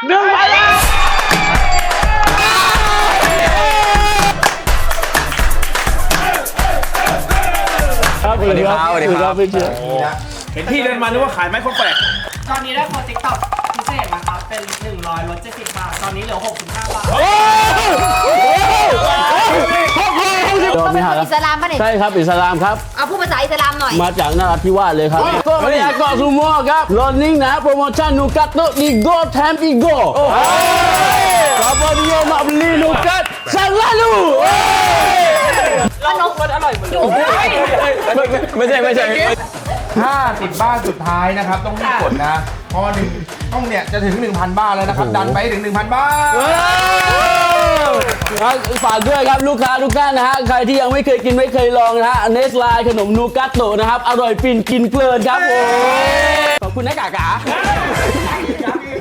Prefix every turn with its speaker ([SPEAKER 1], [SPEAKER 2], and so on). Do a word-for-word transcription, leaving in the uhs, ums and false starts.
[SPEAKER 1] หนึ่งไปแล้วครับสวัสดีครับสวัสดีครับพี่เชียร์เห็นพี่เดินมานึกว่าขายไม้คนแปลก
[SPEAKER 2] ตอนนี้ได้โปรติ๊กต็อกพิเศษนะครับเป็นหนึ่งร้อยลดเจ็ดสิบบาทตอนนี้เหลือหกสิบห้าบาท
[SPEAKER 3] ต้องเป็นคนอิสลามป่ะเนี่ย
[SPEAKER 1] ใช่ครับอิสลามครับ
[SPEAKER 3] เอาพูดภาษาอิสลามหน่อย
[SPEAKER 1] มาจากนราธิวาสเลยครับก็ไม่อยากเกาะซูโม่ครับรอนนิ่งนะโปรโมชั่นนูกัตโตอีโก้แถมอีโก้ขอบคุณโยมาบลีนูกัตสังลาลู
[SPEAKER 2] ขนมมันอร่อยเหมือนกัน
[SPEAKER 1] ไม่ใช่ไม่ใช่
[SPEAKER 4] ห้าสิบบ้านสุดท้ายนะครับต้องรีบกดนะเพราะว่าหนึ่งต้องเนี่ยจะถึง หนึ่งพัน บ้านแล้วนะครับดันไปถึง หนึ่งพัน บ้าน
[SPEAKER 1] ฝากด้วยครับลูกค้าทุกท่านนะฮะใครที่ยังไม่เคยกินไม่เคยลองนะฮะเนสไลขนมนูกัตโตนะครับอร่อยฟินกินเพลินครับผมขอบคุณนะกากา